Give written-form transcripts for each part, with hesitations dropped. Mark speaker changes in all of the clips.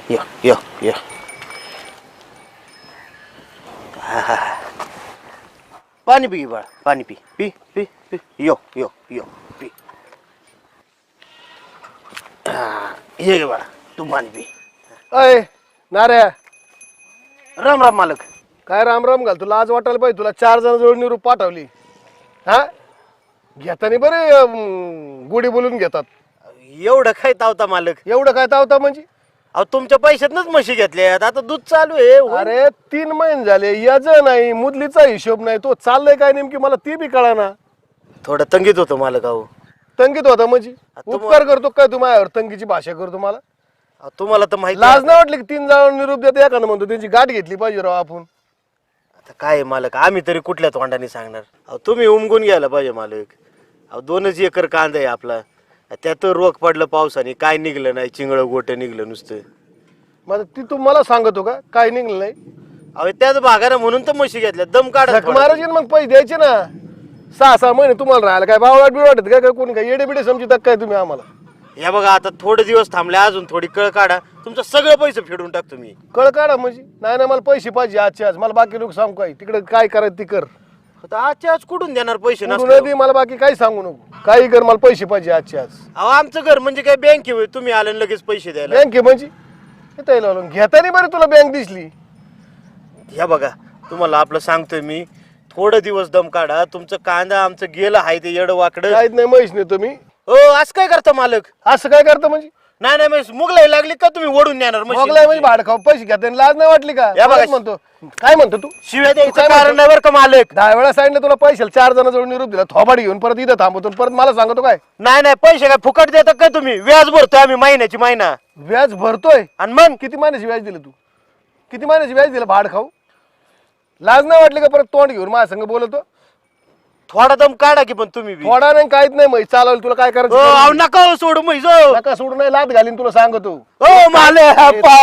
Speaker 1: यो यो यो पाणी पी बाळा पाणी पी पी पी पी यो यो यो पी ये गे बाळा तू पाणी पी.
Speaker 2: अय नाऱ्या
Speaker 1: राम राम मालक.
Speaker 2: काय राम राम घाल तुला आज वाटायला पाहिजे तुला 4 जण जोड निरूप पाठवली हा घेताना बरे गुढी बोलून घेतात.
Speaker 1: एवढं काय तावता मालक.
Speaker 2: एवढं काय तावता म्हणजे
Speaker 1: अहो तुमच्या पैशातनच म्हशी घेतल्यात आता दूध चालू आहे.
Speaker 2: अरे 3 महिने झाले याच नाही मुदलीचा हिशोब नाही तो चाललंय काय नेमकी मला ती बी कळाना.
Speaker 1: थोडं तंगीत होतं मालक. अहो
Speaker 2: तंगीत होता म्हणजे उपकार करतो काय तू माझ्यावर तंगीची भाषा करतो मला.
Speaker 1: तुम्हाला तर माहिती
Speaker 2: लाज नाही वाटली की 3 जण निरूप देते एखादं म्हणतो त्यांची गाठ घेतली पाहिजे राव आपण.
Speaker 1: आता काय मालक आम्ही तरी कुठल्या तोंडाने सांगणार. अहो तुम्ही उमगून घ्यायला पाहिजे मालक. अहो 2 एकर कांदा आहे आपला त्यात रोग पडलं पावसाने काय निघलं नाही चिंगळ गोटं निघलं नुसतं.
Speaker 2: मग ती तू मला सांगतो का काय निघलं नाही.
Speaker 1: अहो त्याच भागानं म्हणून तर म्हशी घेतल्या दम काढत
Speaker 2: महाराज मग पैसे द्यायचे ना 6 महिने तुम्हाला राहायला काय भाव वाट वाटत काय कोणी काय येडे बिडे समजतात काय तुम्ही आम्हाला.
Speaker 1: या बघा आता थोडे दिवस थांबले अजून थोडी कळ काढा तुमचं सगळं पैसे फेडून टाकतो मी.
Speaker 2: कळ काढा म्हणजे नाही ना मला पैसे पाहिजे आजच्या आज मला बाकी लोक सांगू काय तिकडे काय करायचं ती कर.
Speaker 1: आता आजच्या आज कुठून देणार पैसे
Speaker 2: कुठून
Speaker 1: नसले.
Speaker 2: दे मला बाकी काही सांगू नको काही कर मला पैसे पाहिजे आजच्या आज.
Speaker 1: अहो आमचं घर म्हणजे काय बँक आहे तुम्ही आले आणि लगेच पैसे द्यायला.
Speaker 2: बँक आहे म्हणजे घेताना बरं तुला बँक दिसली.
Speaker 1: ह्या बघा तुम्हाला आपलं सांगतोय मी थोडं दिवस दम काढा तुमचं कांदा आमचं गेलं आहे ते येडं वाकडं.
Speaker 2: काहीच नाही म्हैस नेतो मी.
Speaker 1: हो असं काय करता मालक.
Speaker 2: असं काय करतं म्हणजे
Speaker 1: नाही नाही म्हैस मुगलाई लागली का तुम्ही ओढून नेणार म्हशी?
Speaker 2: मोगलाय म्हणजे भाड खाऊ पैसे घेता लाज नाही वाटली का.
Speaker 1: या बघा.
Speaker 2: काय म्हणतो काय म्हणतो तू
Speaker 1: शिव्या द्यायचं
Speaker 2: काय
Speaker 1: कारण नाही बरं का मालक.
Speaker 2: 10 वेळा सांगितलं तुला पैसे 4 जण जोडून निरूप दिला थोबाड घेऊन परत इथं थांबवतो परत मला सांगतो काय.
Speaker 1: नाही नाही पैसे काय फुकट देता काय तुम्ही व्याज भरतोय आम्ही महिन्याची महिना.
Speaker 2: व्याज भरतोय
Speaker 1: आणि मग
Speaker 2: किती महिन्याची व्याज दिलं तू किती महिन्याची व्याज दिलं भाड खाऊ. लाज नाही वाटली का परत तोंड घेऊन माझ्या संग बोलतो.
Speaker 1: थोडा दम काढा की पण तुम्ही बी.
Speaker 2: थोडा नाही काहीच नाही म्हैस चालवलं तुला काय
Speaker 1: हो,
Speaker 2: करायचं
Speaker 1: अहो, नका हो, सोडू म्हैस हो.
Speaker 2: नका सोडून नाही लात घालीन तुला सांगतो.
Speaker 1: हो मालक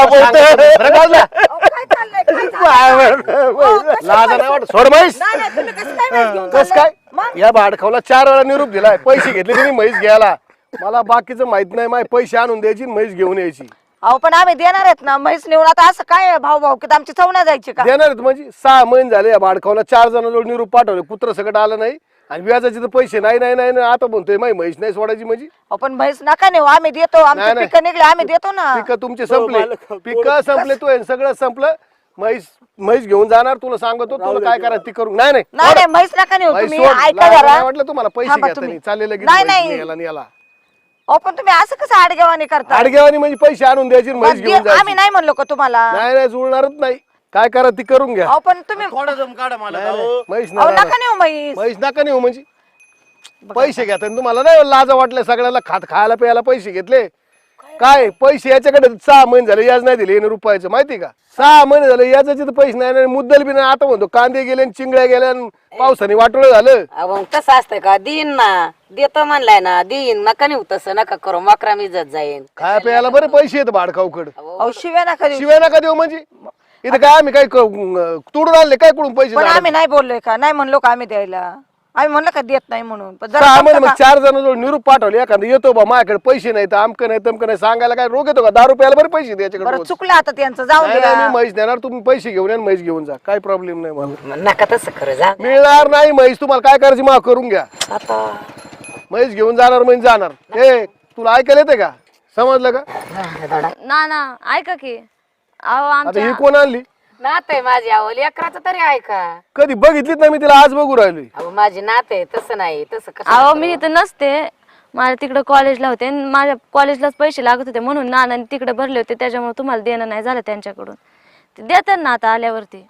Speaker 2: बरं बाजूला.
Speaker 3: अहो, काय चाललंय? काय चाललंय?
Speaker 2: लाज नाही वाटत सोड म्हैस.
Speaker 3: नाही, नाही, तुम्ही कसं काय म्हैस घेऊन
Speaker 2: कस
Speaker 3: चाललाय?
Speaker 2: काय
Speaker 3: मग?
Speaker 2: या भाड खाऊला 4 वेळा निरूप दिलाय पैसे घेतले तुम्ही म्हैस घ्यायला मला बाकीचं माहित नाही माझे पैसे आणून द्यायची म्हैस घेऊन यायची.
Speaker 3: अहो पण आम्ही देणार आहेत ना म्हैस नेऊन आता असं काय भाऊ भाऊ की आमची चवना जायची का.
Speaker 2: देणार आहेत म्हणजे 6 महिने झाले या भाड खाऊला 4 जणांजवळ निरूप पाठवले कुत्र सगळं आलं नाही आणि व्याजाचे तर पैसे नाही नाही नाही नाही. आता म्हणतोय माही म्हैस नाही सोडायची म्हणजे.
Speaker 3: अहो, पण म्हैस नका नेऊ आम्ही देतो
Speaker 2: नाही,
Speaker 3: आमचे
Speaker 2: नाही.
Speaker 3: पिकं निघले आम्ही देतो ना.
Speaker 2: पिकं तुमचे संपले
Speaker 1: मालक,
Speaker 2: पिकं संपले तू सगळं संपलं म्हैस म्हैस घेऊन जाणार तुला सांगतो तुला काय करायचं ती करू. नाही नाही
Speaker 3: नाही नाही म्हैस नका नेऊ
Speaker 2: म्हैस
Speaker 3: तुम्ही
Speaker 2: सोड.
Speaker 3: ऐका
Speaker 2: लाज
Speaker 3: जरा.
Speaker 2: नाही वाटलं तुम्हाला पैसे
Speaker 3: थांबा
Speaker 2: घेताना
Speaker 3: तुम्ही.
Speaker 2: चाललेलं
Speaker 3: नाही, नाही.
Speaker 2: याला
Speaker 3: अहो पण तुम्ही असं कसं आडगेवानी करता.
Speaker 2: आडगेवानी म्हणजे पैसे आणून द्यायची आणि म्हैस घेऊन
Speaker 3: आम्ही
Speaker 2: जायची.
Speaker 3: नाही म्हणलो का तुम्हाला.
Speaker 2: नाही नाही जुळणारच नाही काय करा ती करून घ्या.
Speaker 3: अहो पण तुम्ही
Speaker 1: थोडा दम काढा मला.
Speaker 2: नाही, नाही. म्हैस
Speaker 3: अहो
Speaker 2: नाही
Speaker 3: नका नेऊ म्हैस.
Speaker 2: म्हैस नका नेऊ म्हणजे पैसे घेता तुम्हाला नाही लाज वाटले सगळ्याला खायला प्यायला पैसे घेतले काय पैसे याच्याकडे 6 महिने झाले याज नाही दिले रुपयाचं माहिती का. 6 महिने झाले याचे तर पैसे नाही मुद्दल बी नाही. आता म्हणतो कांदे गेले चिंगड्या गेल्या पावसाने वाटोळ झालं.
Speaker 4: मग तसं असतंय का देईन ना देतो म्हणलाय ना देईन नका नेऊ तसं नका करू मकरा इज्जत जाईन.
Speaker 2: खाया प्यायला बरे पैसे येत भाडखाऊकड
Speaker 3: अहो शिव्या नका देऊ.
Speaker 2: शिवाय नका देऊ म्हणजे इथं काय आम्ही काय तोडून आणले काय कुठून पैसे
Speaker 3: पण
Speaker 2: झाडाला?
Speaker 3: आम्ही नाही बोललोय का नाही म्हणलो का आम्ही द्यायला आम्ही म्हणलं का देत नाही म्हणून. पण जरा
Speaker 2: 6 महिने
Speaker 3: समजा
Speaker 2: मग 4 जण निरूप पाठवले एखादं येतो बा माझ्याकडे पैसे नाही तर आमकं नाही तमकं नाही सांगायला काय रोग येतो का 10 रुपयाला बरे पैसे द्यायच्याकडे
Speaker 3: बरं
Speaker 2: रोज.
Speaker 3: चुकलं आता त्यांचं जाऊ
Speaker 2: नाही,
Speaker 3: द्या.
Speaker 2: नाही, मी म्हैस देणार तुम्ही पैसे घेऊन या आणि म्हैस घेऊन जा काय प्रॉब्लेम नाही मला.
Speaker 4: नका तसं खरं जा
Speaker 2: मिळणार नाही म्हैस तुम्हाला काय करायची माफ करून घ्या.
Speaker 4: आता
Speaker 2: म्हैस घेऊन जाणार म्हणजे जाणार. ए तुला ऐकायला येते का समजलं का.
Speaker 5: ना ना ऐका की अहो
Speaker 2: आता
Speaker 5: आमच्या
Speaker 2: ही कोण आणली
Speaker 4: नात आहे माझी आवली अकराचं तरी ऐका.
Speaker 2: कधी बघितलीच नाही मी तिला आज बघू राहिलोय.
Speaker 4: अहो माझी नात आहे तसं नाही तसं कसं.
Speaker 5: अहो मी इथं नसते माझ्या तिकडे कॉलेजला होते आणि माझ्या कॉलेजलाच पैसे लागत होते म्हणून नानाने तिकडे भरले होते त्याच्यामुळे तुम्हाला देणं नाही झालं त्यांच्याकडून. ते देतात ना आता आल्यावरती.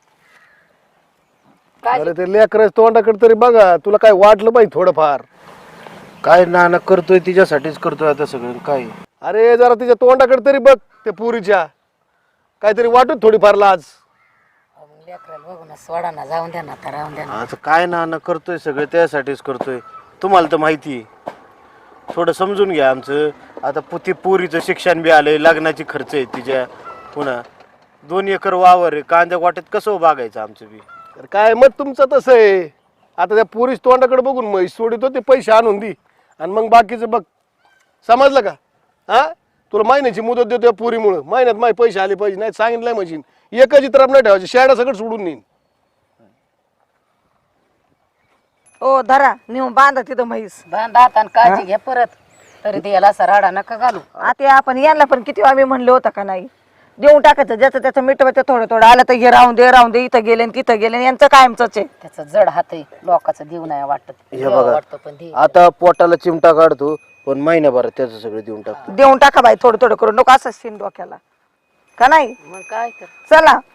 Speaker 2: अरे ते लेकरच तोंडाकडे तरी बघा तुला काय वाटलं पाहिजे थोडंफार.
Speaker 1: काय नाना करतोय तिच्यासाठीच करतोय आता सगळं काय.
Speaker 2: अरे जरा तिच्या तोंडाकडे तरी बघ ते पुरीच्या काहीतरी वाटत थोडीफार लाज.
Speaker 4: लेकराला बघू ना सोडा ना जाऊन द्या ना तर राहून द्या ना.
Speaker 1: आता काय नाना करतोय सगळं त्यासाठीच करतोय तुम्हाला तर माहिती आहे. थोडं समजून घ्या आमचं. आता पोरीचं शिक्षण बी आलंय लग्नाची खर्च आहे तिच्या पुन्हा 2 एकर वावर आहे कांद्या वाट्यात कसं बागायचं आमचं बी.
Speaker 2: तर काय मत तुमचं तसं आहे. आता त्या पुरीच तोंडाकडे बघून म्हैस सोडितो ते पैसे आणून दी आणि मग बाकीचं बघ समजलं का. हा तुला महिन्याची मुदत देतो पुरीमुळे महिन्यात माझे पैसे आले पाहिजे नाही सांगितलंय मशीन एकच तरफ नाही ठेवायची शेडा सगळं सोडून नेईन.
Speaker 3: ओ धरा नेऊन बांधा तिथं म्हैस.
Speaker 4: बांधा आता आणि काळजी घ्या परत. तरी द्यायला असा राडा नका घालू.
Speaker 3: आता आपण यांना पण किती आम्ही म्हणलं होतं का नाही देऊन टाकायचं ज्याचं त्याचं मिटवायचं थोडं थोडं आलं तर हे राहून दे इथं गेले आणि तिथं गेले यांचं कायमच आहे.
Speaker 4: त्याचा जड हात आहे लोकांचं देऊ नाही वाटत.
Speaker 1: हे
Speaker 4: देवा
Speaker 1: बघा
Speaker 4: वाटतं पण दे.
Speaker 1: आता पोटाला चिमटा काढतो पण महिन्याभरात त्याचं सगळं देऊन टाकतो.
Speaker 3: देऊन टाका बाई थोडं थोडं करून नको असं शिन डोक्याला का नाही.
Speaker 4: मग काय तर
Speaker 3: चला